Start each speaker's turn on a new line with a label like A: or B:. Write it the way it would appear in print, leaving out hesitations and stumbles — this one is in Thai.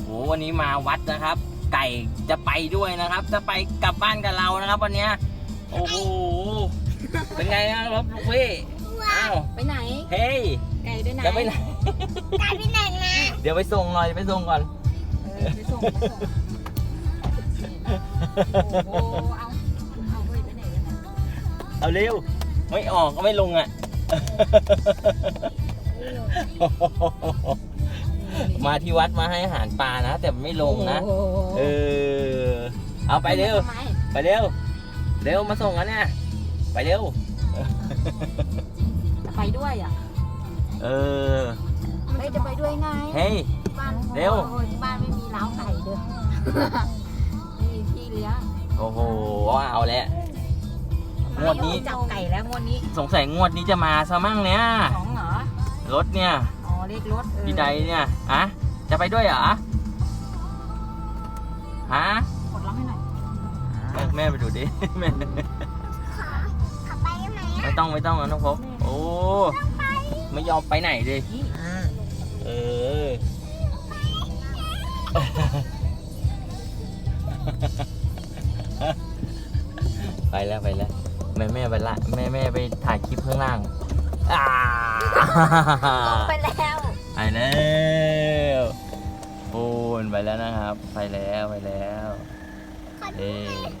A: วันนี้มาวัดนะครับ ไก่จะไปด้วยนะครับ จะไปกลับบ้านกับเรานะครับวันนี้โอ้โหเป็นไงครับลูกพี่อ้าว
B: ไปไหน
A: เฮ้ย
B: ไก่ไปไหน
A: จะไปไหน
C: ไก่ไปไหนนะ
A: เดี๋ยวไปส่งหน่อยไปส่งก่อน
B: ไปส่งโอ้โหเอาไปไหนกันนะ
A: เอาเร็วไม่ออกก็ไม่ลงอ่ะมาที่วัดมาให้อาหารปลานะแต่ไม่ลงนะเอาไปเร็วไปเร็วเร็วมาส่งกันเนี่ยไปเร็ว
B: จะไปด้วยอ่ะจะไปด้วยไง
A: เฮ้ยเร็ว
B: บ้านไม่มีเล้าไก่เลยไม่มีที่เลี้ยง
A: โอ้โหเอาแล้วงวดนี้
B: จับไก่แล้วงวดนี้
A: สงสัยงวดนี้จะมาซะมั่งเนี่ย
B: 2เหรอ
A: รถเนี่ย
B: อ๋อเลขรถ
A: พี่ใดเนี่ยจะไปด้วยเหรอ
B: กดล็อกให้หน่อย
A: แม่ไปดูดิแม่
C: ขอไปได้ไหม
A: ไม่ต้องนะน้องพบโอ้ไม่ยอมไปไหนเลยไปแล้วแม่ไปละแม่ไปถ่ายคลิปข้างล่าง
B: ไปแล้ว
A: โอ้ไปแล้วนะครับไปแล้ว